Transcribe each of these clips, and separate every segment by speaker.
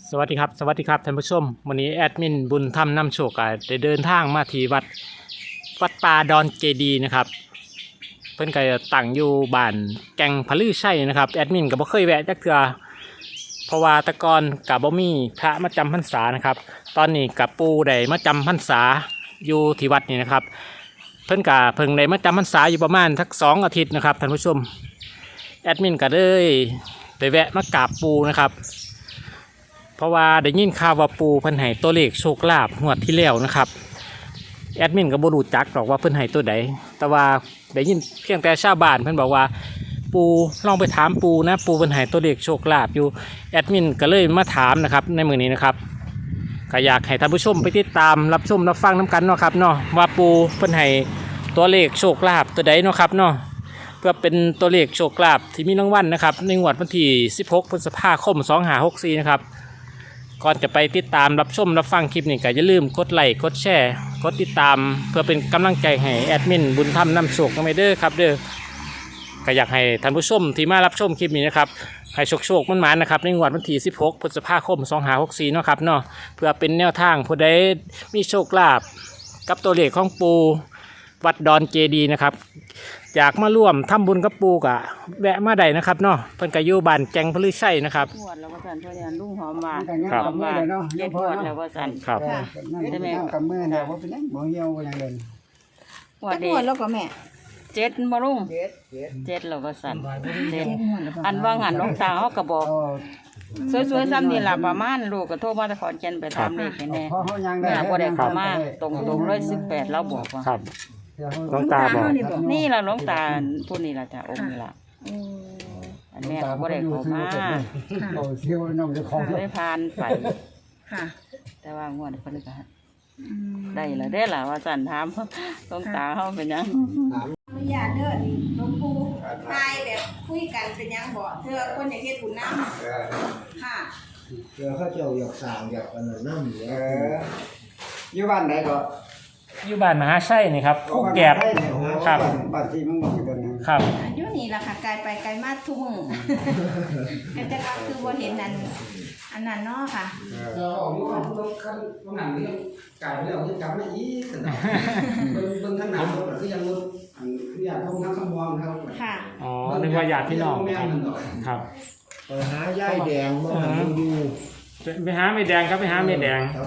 Speaker 1: สวัสดีครับท่านผู้ชมวันนี้แอดมินบุญธรรมนำโชคได้เดินทางมาที่วัดป่าดอนเจดีนะครับเพิ่นก็ตั้งอยู่บ้านแก่งพลือชัยนะครับแอดมินก็บ่เคยแวะจักเทื่อเพราะว่าแตะกอนกับบ่มีพระมาจำพรรษานะครับตอนนี้กับปู่ได้มาจำพรรษาอยู่ที่วัดนี่นะครับเพิ่นก็เพิ่งได้มาจำพรรษาอยู่ประมาณสัก2 อาทิตย์นะครับท่านผู้ชมแอดมินก็เลยไปแวะมากราบปู่นะครับเพราะว่าได้ยินข่าวว่าปูเพิ่นให้ตัวเลขโชคลาภงวดที่แล้วนะครับแอดมินก็บ่รู้จักหรอกว่าเพิ่นให้ตัวใดแต่ว่าได้ยินเพียงแต่ชาวบ้านเพิ่นบอกว่าปูลองไปถามปูนะปูเพิ่นให้ตัวเลขโชคลาภอยู่แอดมินก็เลยมาถามนะครับในมื้อนี้นะครับก็อยากให้ท่านผู้ชมไปติดตามรับชมรับฟังน้กันเนาะครับเนาะว่าปูเพิ่นให้ตัวเลขโชคลาภตัวใดเนาะครับเนาะเพื่อเป็นตัวเลขโชคลาภที่มีรางวัลนะครับในงวดวันที่16 พฤษภาคม 2564นะครับก่อนจะไปติดตามรับชมรับฟังคลิปนี้ก็อย่าลืมกดไลค์กดแชร์กดติดตามเพื่อเป็นกำลังใจให้แอดมินบุญธรรมนำโชคกันไปเด้อครับเด้อก็อยากให้ท่านผู้ชมที่มารับชมคลิปนี้นะครับให้โชคมันๆนะครับในงวดวันที่16 พฤษภาคม 2564เนาะครับเนาะเพื่อเป็นแนวทางผู้ใดมีโชคลาภกับตัวเลขของปูวัดดอนเจดีนะครับอยากมาร่วมทำบุญกับปูกะแวะมาได้นะครับเนาะเพิ่นก็อยู่บ้านแก่งพลือชัยนะครับ
Speaker 2: ปวดแล้วก็สั่นเพราะเนี่ยลุงหอมมา
Speaker 1: ครับ
Speaker 2: หอมมาเจ็ดปวดแล้วก็สั่น
Speaker 1: ครับ
Speaker 2: ใช่ไหม
Speaker 3: กับมือเนี่ยว่าเป็นยังบ่เหี่ยวบ่ยังเดิน
Speaker 2: ปวด
Speaker 4: จัก
Speaker 2: ดี
Speaker 4: งวดแล้วก็แม่
Speaker 2: เจ็ดมาลุง
Speaker 3: เจ็ด
Speaker 2: เจ็ดแล้วก็สั่นเจ็ด
Speaker 4: งวดแล้วก็
Speaker 2: อันว่างหันน้องตาเขาก็บอก
Speaker 3: เอา
Speaker 2: สวยๆซ้ำนี่แหละประมาณลูกก็โทรมาตะขอนแก่นไปทำเลขให้แน่
Speaker 3: พอเขายังได้
Speaker 2: แม่บ่ได้เข้ามาตรง118เราบอกว่า
Speaker 1: ครับน้องตาบอก
Speaker 2: นี่ล่ะน้องตาผู้นี้ล่ะจ้ะองค์นี้ล่ะ
Speaker 4: โอ้
Speaker 2: อันแม่ก็บ่ได้เข้ามา
Speaker 3: เอาเที่ยวน้องจะของ
Speaker 2: ได้ผ่านไป
Speaker 4: ค่ะ
Speaker 2: แต่ว่างวดเพิ่นก็
Speaker 4: อืม
Speaker 2: ได้ละได้ล่ะว่าสั่นถามน้องตาเฮาเป็นหยัง
Speaker 4: อนุญาตเด้อหลวงปู่ทายแบบคุยกันเป็นหยังบ่เธอคนอยากเฮ็ดบุญนำค่ะ
Speaker 3: เดี๋ยวเขาเจ้าอยากสร้างอยากอันนั้นน้ำอยู่บ้านไหนก็
Speaker 1: อยู่บ้านมหาชัยนี่ครับผู้แกบครับ
Speaker 3: บ้านที่มึงอยู่กัน
Speaker 1: ครับ
Speaker 4: อยู่นี่ล่ะค่ะไกลไปไกลมาทุกมื้อก็จะก็คือบ่เห็นอันนั้นเนาะค่ะ
Speaker 3: เราออกอยู่บ้านต้องขั้นต้องหนังนี่ไก่แล้วจะกลับมาอีกเบิ่งทางหนังก็คือยังอันคืออยากท่องทั้งคำวางครับ
Speaker 4: ค่ะ
Speaker 1: อ๋อนึกว่าญาติพี่น้องครับครับ
Speaker 3: ไปหาย่ายแดงมาดู
Speaker 1: ไปหาไม่แดงครับไปหาไม่แดง
Speaker 3: ครับ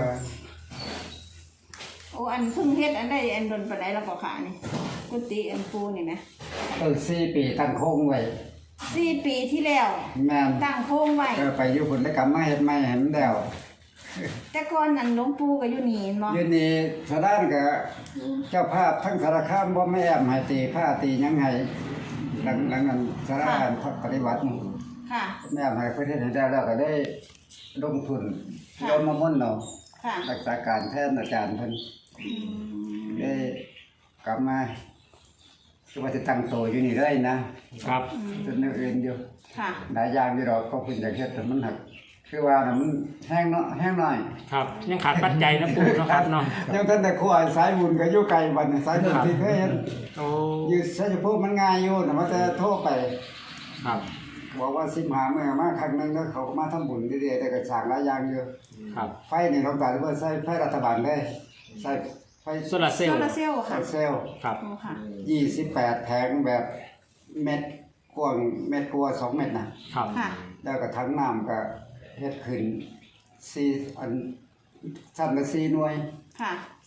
Speaker 4: โอ้อันเพิ่งเฮ็ดอันได้อันดนปานใดแล้วก็ค่ะนี่กุฏิอันปูนี่นะ
Speaker 3: ต้น4 ปีตั้งโค้งไว้
Speaker 4: 4 ปีที่แล้ว
Speaker 3: แม่น
Speaker 4: ตั้งโค้งไว้
Speaker 3: ไปอยู่ผลกรรมมาเฮ็ดใหม่ให้มันแล้ว
Speaker 4: แต่ก่อนอันหลวงปู่ก็อยู่นี่เนาะ
Speaker 3: อยู่นี่สดานก็เจ้าภาพทั้งสารคามบ่แม่ให้ตีผ้าตีหยังให้หลังนั้นสารคามปฏิบัติ
Speaker 4: ค่ะ
Speaker 3: แม่ให้ประเทศให้ได้แล้วก็ได้ลงทุนโยมมามุ่นเนาะ
Speaker 4: ค่ะ
Speaker 3: รักษาการแทนอาจารย์เพิ่น
Speaker 4: อืม
Speaker 3: ได้กลับมาคือว่าจะตั้งโตอยู่นี่เลยนะครับ จนอื่นอยู่
Speaker 4: ค่ะ
Speaker 3: หลายอย่างอยู่ดอกก็เพิ่นอยากเฮ็ดแต่มันหักคือว่าน่ะมันแห้งเนาะแห้งหน่อย
Speaker 1: ครับยังขาดปัจจัยนะปู่เนาะครับเนาะ
Speaker 3: ยังท่านแต่ขวายสายบุญก็อยู่ไกลบัดนี้สายบุญที่เคยเห็น
Speaker 1: โอ้
Speaker 3: อยู่ชัยภูมิมันง่ายอยู่แต่ว่าแต่โทรไป
Speaker 1: ครับ
Speaker 3: บอกว่า15มื้อมาครั้งหนึงแล้วเขาก็มาทำบุญเรื่อยๆแต่ก็สร้างหลายอย่างอยู่
Speaker 1: ครับ
Speaker 3: ไฟนี่เราตัดว่าใช้ไฟรัฐบาลได้ใช้ไฟ
Speaker 1: โซลาร์เซล
Speaker 4: โซ
Speaker 1: ล์
Speaker 4: ลาร์เซลล์
Speaker 3: โซ
Speaker 4: ค่ะ
Speaker 3: ลาร์เซลล์
Speaker 1: ครับ
Speaker 4: โอ้ค่ะ
Speaker 3: 28แผงแบบเม็ดกว้างเม็ดกว่า2เม็ดน่ะ
Speaker 1: ครับ
Speaker 4: ค่ะ
Speaker 3: แล้วก็ถังน้ำก็เฮ็ดขึ้น4อันชั้นละ4หน่วย
Speaker 4: ค่ะ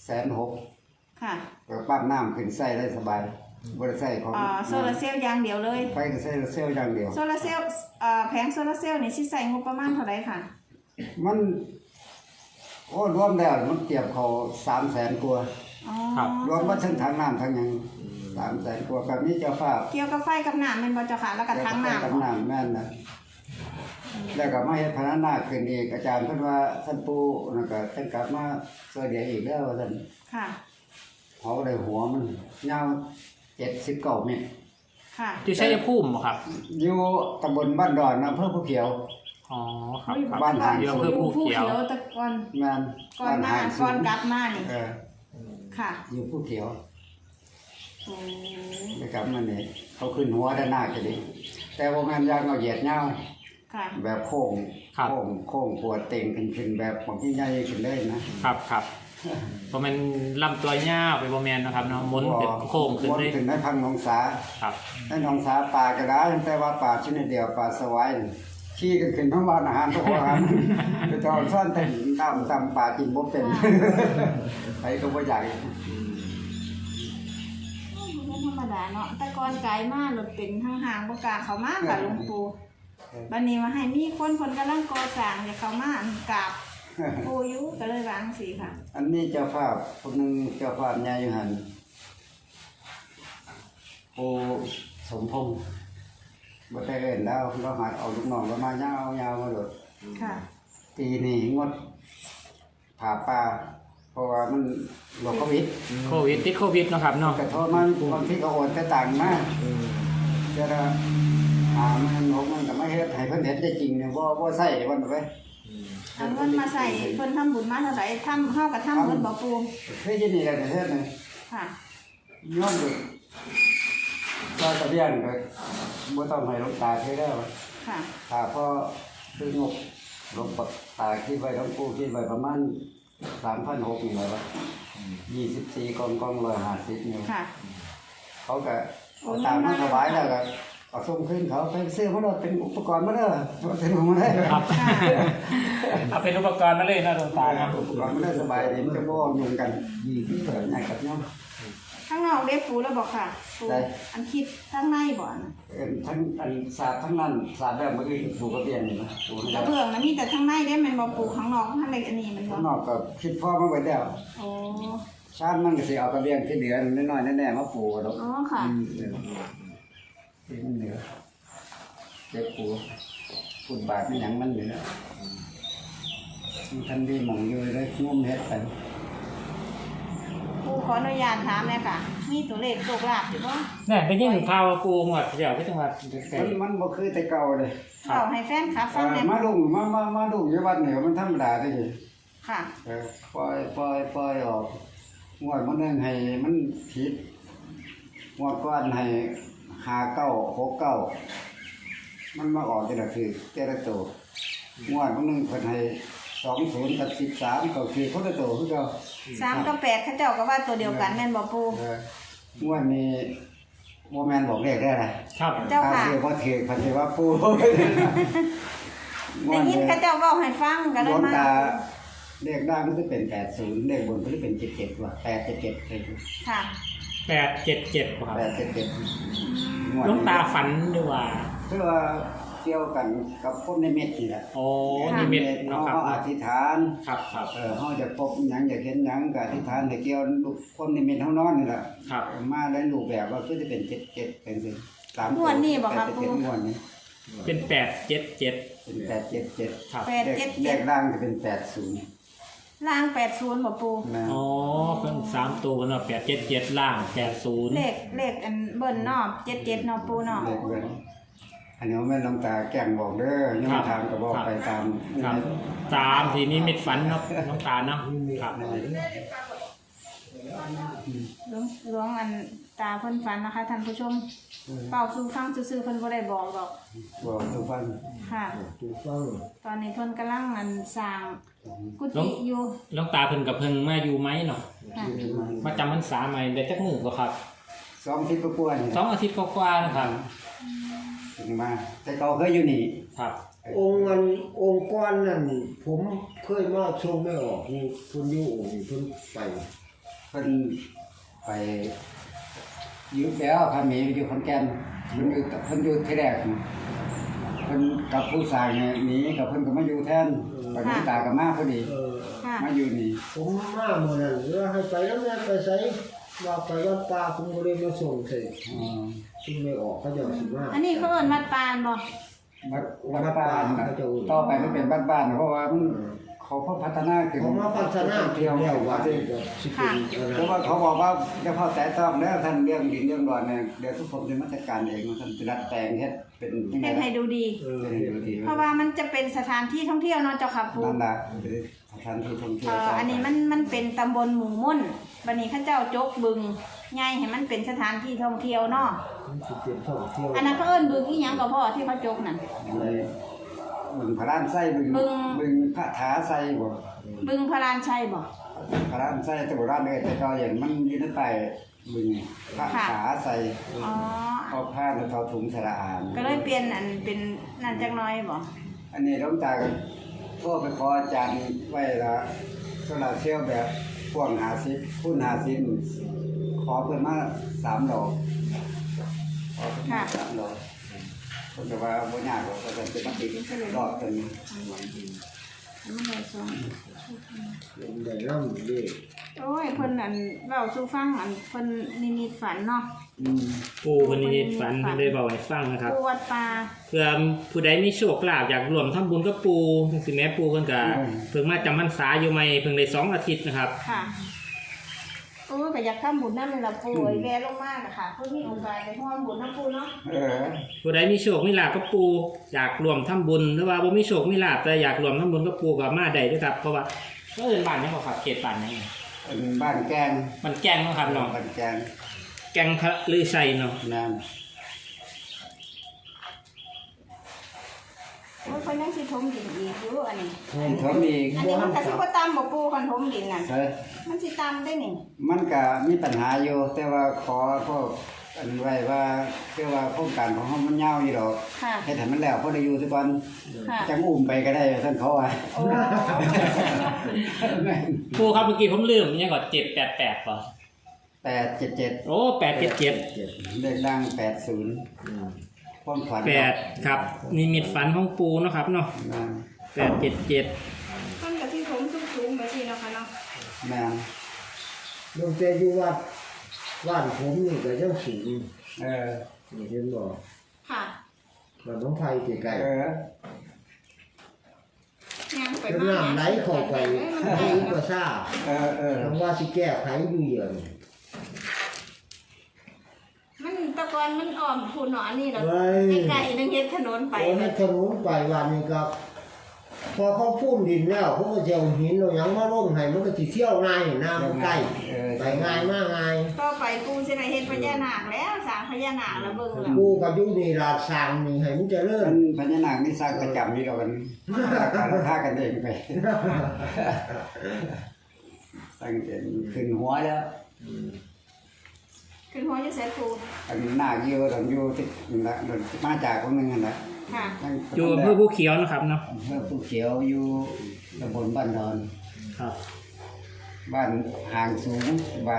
Speaker 3: 160,000
Speaker 4: ค่ะ
Speaker 3: ก็ปั๊มน้ำขึ้นใช้ได้สบายบ่ได้ใช้ของ
Speaker 4: โซลาร์เซลล์อย่างเดียวเลย
Speaker 3: ไฟก็ใช้เซลล์อย่างเดียว
Speaker 4: โซลาร์เซลล์แผงโซลาร์เซลล์นี่สิใส่งบประมาณเท่าไหร่ค่ะ
Speaker 3: มันโอ้รวมแล้วมันเก็บเขา300,000กว่า
Speaker 4: อ๋อ
Speaker 1: ครับ
Speaker 3: รวมว่าทั้งถังน้ำทั้งหยัง300,000กว่ากับนี้เจ้าภาพ
Speaker 4: เกี่ยวกับไฟกับน้ำแม่นบ่เจ้าค่ะ แล้วก็ทางน้ำ
Speaker 3: กับน้ำแม่นนะแล้วก็มาเฮ็ดพญานาคขึ้นอีกอาจารย์เพิ่นว่าท่านปู่นั่นก็ท่านกลับมาช่วยเหลืออีกแล้วว่าซั่น
Speaker 4: ค่ะ
Speaker 3: เผาได้หัวมันยาว79เมตร
Speaker 4: ค่ะ
Speaker 1: ที่ชัยภูมิบ่ครับ
Speaker 3: อยู่ตำบลบ้านดอนอำเภอภูเขียว
Speaker 1: อ๋อครับครับ
Speaker 3: บ้านหาง
Speaker 1: อยู่อำเภอภูเขียว
Speaker 4: ตะกอน
Speaker 3: แม่น
Speaker 4: ก่อนมา
Speaker 3: บ้หง
Speaker 4: ก่อนกลับมานี่
Speaker 3: เออ
Speaker 4: ค่ะ
Speaker 3: อยู่ภูเขียว
Speaker 4: โอ้
Speaker 3: แล้วกลับมานี่เขาขึ้นหัวด้านหน้าก็ดีแต่ว่าแม่นยางเอาเหยียดยาว
Speaker 4: ค่ะ
Speaker 3: แบบโค้งปวดเต่งขึ้นแบบของพี่ใหญ่ขึ้นเลยนะครับ
Speaker 1: เพราะมันลำตัวยาวไปบ่แม่นนะครับเนาะหมุนเป็นโค้งขึ้นเลย
Speaker 3: ขึ้นในพังหนองสา
Speaker 1: ครับ
Speaker 3: ในหนองสาป่ากระดาแต่ว่าป่าชนิดเดียวป่าสวายขี้กันขึ้นทั้งวันอาหารทุกอาหารไปจอดซ่อนเต็มตามป่ากินบ่เป็นไปก็บ่ใหญ่
Speaker 4: เป็นธรรมดาเนาะแต่ก่อนไกลมากรถเป็นทางห่างบ่กล้าเข้ามาค่ะหลวงปู่บัดนี้มาให้มีคนกำลังก่อสร้างจะเข้ามากราบปู่อยู่ก็เลยวางสิค่ะ
Speaker 3: อันนี้เจ้าภาพคนหนึงเจ้าภาพใหญ่อยู่หั่นปู่สมพงษ์บ่ได้เอิ้นแล้วเราหาเอาลูกน้องเรามายาวมาโดด
Speaker 4: ค่ะ
Speaker 3: ปีนี้งดผ่าป่าเพราะว่ามันโรคโควิด
Speaker 1: โควิดติดโควิดเนาะครับเนาะ
Speaker 3: กระทบมันบางทีก็โอนแต่ต่างมาจะมันก็ไม่เฮ็ดให้เพิ่นเฮ็ดได้จริงเนี่ยบ่ใส่วันไป
Speaker 4: เอาเงินมาใส่เพิ่นทำบุญมาเท่าไหร่เฮาก็ทำเพิ่นบ่ปู่
Speaker 3: คือยินดีกันเฮ็ดนี่
Speaker 4: ค่ะ
Speaker 3: ย้อนดูก็ตะเบียนก็บ่ต้องให้หลวงตาเทแล้ว
Speaker 4: ค่ะ
Speaker 3: ถ้าพอคืองบหลวงตาคิดไว้หลวงปู่คิดไว้ประมาณ 3,600 นี่แหละ24กอง150นี่
Speaker 4: ค่ะ
Speaker 3: เขาก็เอาตามมาถวายแล้วก็เอาส่งขึ้นเขาไปซื้อมาแล้วเป็นอุปกรณ์มาเด้อเป็นของมาได้
Speaker 1: ครับเอาเป็นอุปกรณ์มาเลยนะหลวงตาครับ
Speaker 3: อุปกรณ์มาได้สบายดีมันจะบ่ยุ่งกันเปิดง่ายกับเนาะ
Speaker 4: ข้างนอกได้ปู่แล้วบอกค่ะปู่
Speaker 3: ได้
Speaker 4: อันคิดข้างในบ่นะ
Speaker 3: ทั้งอันศาสตร์ทั้งนั้นศาสตร์แบบเมื่อกี้ปู่ก็เปลี่ยนนี่นะปู่
Speaker 4: กระเบื้องนะมีแต่ข้างในได้แม่นบ่ปู่ข้างนอกข้างในอันนี้มันบ่
Speaker 3: ข้างนอกก็คิดพ่อมาไว้แล้ว
Speaker 4: โอ้
Speaker 3: ชาติมันก็สิเอากระเบียงที่เหลือน้อยๆแน่ๆมาปู่ดอก
Speaker 4: อ๋อค่ะ
Speaker 3: ที่มันเหลือเจ็บปู่ฝุ่นบาดไม่หยังมันเหลือท่านดีหม่องอยู่เลยงมเฮ็ดไป
Speaker 4: ปู่ขออนุญาตถามเลยค่ะ มีตัวเลขโชคลาภอยู่บ่
Speaker 1: เนี่ยได้ยินข่าวว่าปูหมดเดี๋ยวก็จังหวัดไกล
Speaker 3: มันบ่คือแต่เก่าเลย
Speaker 4: เล่าให้แฟนคลับฟังได้
Speaker 3: มาลุงมาลุงอยู่วัดนี่มันธรรมดาเด้อ
Speaker 4: ค่ะ
Speaker 3: ปล่อยออกงวดมันนึงให้มันผิดงวดก่อนให้5969มันมาออกแต่ละคือแต่ละตัวงวดมันนึงเพิ่นให้20กับ13ก็คือคนละตัวคือเก่า
Speaker 4: 3กับ8เขาเจ้าก็ว่าตัวเดียวกันแม่นบ่ปู่
Speaker 3: งวดนี้บ่แม่นบอกเลขได้ล่ะ
Speaker 1: ครับ
Speaker 4: เจ้าค่ะ
Speaker 3: ถ้สิบ่ถือเพิ่นสิว่าปู่
Speaker 4: ได้ยินเขาเจ้าเว้าให้ฟังก็เล
Speaker 3: หล
Speaker 4: ยว
Speaker 3: ง
Speaker 4: มา
Speaker 3: ตาเลขล่างมันจะเป็น80เลขบนมันจะเป็น77ว่ะ877เลย
Speaker 4: ค่ะ
Speaker 1: 877ครับ
Speaker 3: 877
Speaker 1: หลวงตาฝันด้วยว่า
Speaker 3: คือว่าเกี่ยวกันกับพวกนิมิตนี่แหละ
Speaker 1: โอ้นิมิตเนาะครับ
Speaker 3: เฮาอธิษฐาน
Speaker 1: ครับ
Speaker 3: เฮาจะพบหยังอยากเห็นหยังก็อธิษฐานให้เกี่ยวลูกคนนิมิตเฮานอนนี่ล่ะ
Speaker 1: ครับ
Speaker 3: มาได้รูปแบบว่าคือจะเป็น77เป็นสิ3
Speaker 4: งวดนี้บ่ครับ
Speaker 3: 77งวดนี้
Speaker 1: เป็น877
Speaker 3: เป็น877
Speaker 1: ครับ
Speaker 3: เลขล่างจะเป็น80
Speaker 4: ล่าง80บ่ปู่
Speaker 3: นะ
Speaker 1: อ๋อเพิ่น3ตัวเนาะ877ล่าง80
Speaker 4: เลขอันเบิ้นเนาะ77เนาะปู่เนาะ
Speaker 3: เลขเบิ่นอันนี้แม่นหลวงตาแกล้งบอกเด้อยังถามก็บอกไปตาม
Speaker 1: ครับตามที่นิมิตฝันเนาะน้องตาเนาะครับ
Speaker 4: หลวงอันตาเพิ่นฝันนะคะท่านผู้ชมเป่าสู่ฟังซื่อๆเพิ่นบ่ได้บอกดอก
Speaker 3: บอกทุกฟัง
Speaker 4: ค่ะ ตอนนี้เพิ่นกำลังอันสร้างกุฏิอยู่
Speaker 1: น้องตาเพิ่นกับเพิ่งมาอยู่ไหมเนาะ
Speaker 4: ค่ะ
Speaker 1: มาจำพรรษาใหม่ได้จักมื้อบ่ครับ
Speaker 3: 2 ทิศกว่าๆนี่
Speaker 1: 2 อาทิตย์กว่าๆนะครับ
Speaker 3: ถึงมาแต่เขาเคยอยู่นี่
Speaker 1: ครับ
Speaker 5: องค์ก้อนนั่นผมเคยมาชมไม่ออกนี่เพิ่นอยู่องค์นี่เพิ่นไป
Speaker 3: เพิ่นไปอยู่แล้วพามีอยู่ขอนแก่นเพิ่นอยู่ที่แรกเพิ่นกับผู้สร้างเนี่ยหนีกับเพิ่นก็มาอยู่แทนไปหลวงตาก็มาพอดี
Speaker 4: ค่ะ
Speaker 3: มาอยู่นี่
Speaker 5: ผมมาเมื่อนั้นแล้วให้ไปแล้วแม่ไปไสว่าไปวัดป่าผมก็เลยมาส่งใส่
Speaker 3: อ๋อ
Speaker 5: ซึ่งไม่ออกเขาเจะสิมา
Speaker 4: อันนี้เขาเอิ้นวัดปานบ่
Speaker 3: วัดบ้านน่ะต่อไปมันเป็นบ้านๆเพราะว่ามันเขาพัฒนาขึ้น
Speaker 5: ผมมาพัฒนา
Speaker 3: เที่ยว
Speaker 5: แล้วว่า
Speaker 3: ที่
Speaker 5: จะสิเป็นอะไร
Speaker 3: เพราะว่าเขาบอกว่าจะเข้าแต่ต้องแล้วท่านเรื่องดินเรื่องดอนเนี่ยเดี๋ยวทุกคนจะมาจัดการเองว่าท่านจะรัดแต่งเฮ็ดเป็นยังไง
Speaker 4: เฮ็ดให้ดูดี
Speaker 3: เป็นดูดี
Speaker 4: เพราะว่ามันจะเป็นสถานที่ท่องเที่ยวเนาะเจ้าค่ะปู่
Speaker 3: นั่นล่ะเป็นสถานที่ท่องเที่ยว
Speaker 4: อันนี้มันเป็นตำบลหมู่ม่นบัดนี้เขาเจ้าจกบึงใหญ่ให้มันเป็นสถานที่ท่องเที่ยวเนาะ
Speaker 5: มันสิเป็นท่องเที่ยว
Speaker 4: อันนั้นเขาเอิ้นบึงอีหยังก็พ่อที่เขาจกนั่น
Speaker 3: เลยบึงพระรานไส้บึงพระถาไส้บ่
Speaker 4: บึงพระรานชัยบ่
Speaker 3: พระรานไส้แต่โบราณเลยแต่ก็อย่างมันอยู่ในใต้บึงพระถาไส้
Speaker 4: อ๋อ
Speaker 3: เอาผ้าแล้วเอาถุงสระอาน
Speaker 4: ก็เลยเปลี่ยนอันเป็นนั่นจักหน้อยบ่
Speaker 3: อันนี้หลวงตาก็โทรไปขออาจารย์ไว้ละโซลาร์เซลล์แบบพ่วง50คูณ50ขอเพิ่นมา3ดอกขอเพิ่นมา3ดอกเพิ่นก็ว่าบ่ยากหรอกก็จะมาติดรอบตัวนี้
Speaker 4: มันได้สอง
Speaker 5: ได้นำเด้อ
Speaker 4: โอ้ยเพิ่นอันเว้าสู่ฟังอันเพิ่นนิมิตฝันเนาะ
Speaker 1: ปูคนนี้ฝันเพิ่นได้บอกให้ฟังนะครับ
Speaker 4: ปูวัดป่า
Speaker 1: เพื่อผู้ใดมีโชคลาภอยากร่วมทำบุญกับปูจังซี่แม่ปูเพิ่นก็เพิ่งมาจำพรรษาอยู่ใหม่เพิ่งได้2อาทิตย์นะครับ
Speaker 4: ค่ะโอ้ยก็อยากทำบุญนำเลยล่ะปูไอ้แวลงมากอะค่ะเพิ่นมีโอกาสไปร่วมบุญนำปูเนาะ
Speaker 1: ผู้ใดมีโชคมีลาภกับปูอยากร่วมทำบุญหรือว่าบ่มีโชคมีลาภแต่อยากร่วมทำบุญกับปูก็มาได้เด้อครับเพราะว่าเอิ้นบ้านนี้บ่ครับเขตบ้านนี้
Speaker 3: เป็นบ้านแกง
Speaker 1: มันแกล้งเนาะครับเนาะ
Speaker 3: บ้านแกง
Speaker 1: แกงพระลือชัยเนาะ
Speaker 3: นั่น
Speaker 4: โอ้ยเพิ่นยังสิถมดินอีกอยู่อันนี้
Speaker 3: เขามี
Speaker 4: อันนี้มันก็สิบ่ตามบ่ปูคันถมดินนั่น
Speaker 3: ใช่
Speaker 4: มันสิตามได้นี่
Speaker 3: มันก็มีปัญหาอยู่แต่ว่าขอพวกอันไว้ว่าคือว่าโครงการของเฮามันยาวอยู่ดอก
Speaker 4: ค่ะ
Speaker 3: ให้ให้มันแล้วพอได้อยู่ซะก่อน
Speaker 4: ค่ะ
Speaker 3: จังอุ้มไปก็ได้ท่านเขาว่า
Speaker 4: โอ้
Speaker 1: ปูครับเมื่อกี้ผมลืมยังก่อน788ป่ะ
Speaker 3: 877
Speaker 1: โอ้877
Speaker 3: เลขดัง80ความฝัน
Speaker 1: 8ครับนิมิตฝันของปูเนาะครับเนาะ
Speaker 3: นั่น
Speaker 1: 877
Speaker 4: มันก็สิถมสูงๆไปสิเนาะค่ะเนาะ
Speaker 3: แม่น
Speaker 5: ลงแต่อยู่วัดบ้านผมนี่ก็ยังสูง นี่เห็นบ่
Speaker 4: ค่ะ
Speaker 5: บ้านน้องไผใกล้
Speaker 4: ยังไป
Speaker 5: ๆ
Speaker 4: มา
Speaker 5: น้ำไหลเข้าไปให้อุปสรรคคำว่าสิแก้ไขอยู่เดียวนี่
Speaker 4: มันแตะกอนมันอ้อมพูนเนาะอันนี้เรา
Speaker 5: เฮ้ย
Speaker 4: ไกลๆนึงเฮ็ดถนนไป
Speaker 5: โอ้ให้ถนนไปวันนี้ครับพอเขาพุ่มดินแล้วเขาก็จะเอาหินเอาหยังมาลงให้มันก็สิเที่ยวง่ายน้ำมันใกล้ไปง่ายมากง่าย
Speaker 4: ต่อไปปูสิได้เฮ็ดพญานาคแล้วสร้างพญานาคแล้วเบิ่งแล้ว
Speaker 5: กูก็อยู่นี่ลาดสร้างนี่ให้มันเจริญ
Speaker 3: พญานาคนี่สร้างประจำนี่ดอกกันฆ่ากันเองไปสร้างเองขึ้นหัวแล้ว
Speaker 4: ขึ้นหัวจะเสร็จปู
Speaker 3: อันนาคอยู่ตอนอยู่ที่นั่นละมาจากคนนึงนั่นแหละ
Speaker 4: ค่ะ
Speaker 1: อยู่อำเภอภูเขียวนะครับเนาะ
Speaker 3: เพื่อผู้เขียวอยู่ตำบลบ้านดอน
Speaker 1: ครับ
Speaker 3: บ้านห่างสูงบ้าน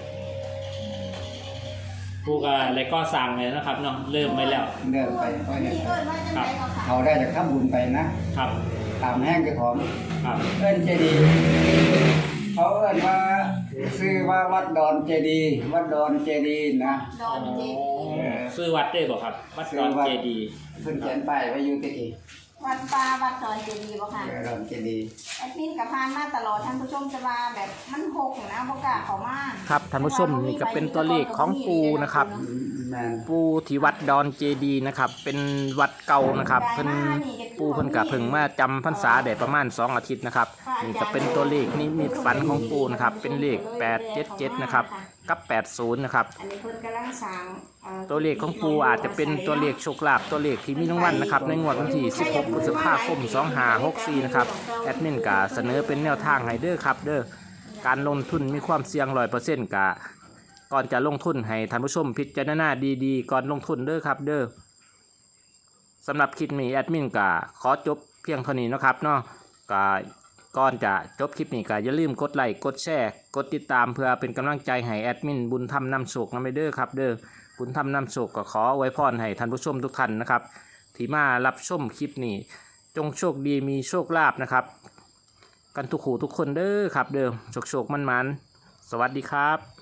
Speaker 1: ปูก็เลยก็สั่งเลยนะครับเนาะเริ่มไปแล้ว
Speaker 3: เดินไปก็เนี่ย
Speaker 4: เอิ้นว่าจังได๋ก็ค่ะ
Speaker 3: เขาได้จากทำบุญไปนะครับ ตามแห้งเจ้าของ
Speaker 1: ครับ
Speaker 3: เอิ้นเจดีย์เขาเอิ้นว่าชื่อว่าวัดดอนเจดีย์วัดดอนเจดีย์นะ
Speaker 4: ดอนเจดีย์
Speaker 1: ซื้อวัดได้บ่ครับวัดดอนเจดีย์
Speaker 3: เพิ่นเขียนป้ายไว้อยู่ติอีก
Speaker 4: วัดป่าวัดดอนเจดีย์บ่ค่ะ
Speaker 3: ดอนเจดีย์
Speaker 4: แอดมินกับพานมาตลอดท่านผู้ชมจะว่าแบบมันหกนะบ่กล้าเข้ามา
Speaker 1: ครับท่านผู้ชมนี่ก็เป็นตัวเลขของปูนะครับ
Speaker 3: แม่น
Speaker 1: ปูที่วัดดอนเจดีย์นะครับเป็นวัดเก่านะครับเพิ่นปูเพิ่นก็เพิ่งมาจำพรรษาได้ประมาณ2อาทิตย์นะครับนี่ก็เป็นตัวเลขนิมิตฝันของปูนะครับเป็นเลข877นะครับกับ80นะครับ
Speaker 4: อันนี้เพิ่นกำลังสร้าง
Speaker 1: ตัวเลขของปูอาจจะเป็นตัวเลขโชคลาภตัวเลขที่มีรางวัลนะครับในงวดวันที่16พฤษภาคม2564นะครับแอดมินก็เสนอเป็นแนวทางให้เด้อครับเด้อการลงทุนมีความเสี่ยง 100% กะก่อนจะลงทุนให้ท่านผู้ชมพิจารณาดีๆก่อนลงทุนเด้อครับเด้อสำหรับคลิปนี้แอดมินก็ขอจบเพียงเท่านี้นะครับเนาะก็ก่อนจะจบคลิปนี้ก็อย่าลืมกดไลค์กดแชร์กดติดตามเพื่อเป็นกำลังใจให้แอดมินบุญธรรมนำโชคนำไปเด้อครับเด้อบุญธรรมนำโชคก็ขออวยพรให้ท่านผู้ชมทุกท่านนะครับที่มารับชมคลิปนี้จงโชคดีมีโชคลาภนะครับกันทุกคู่ทุกคนเด้อครับเด้อโชคมันๆสวัสดีครับ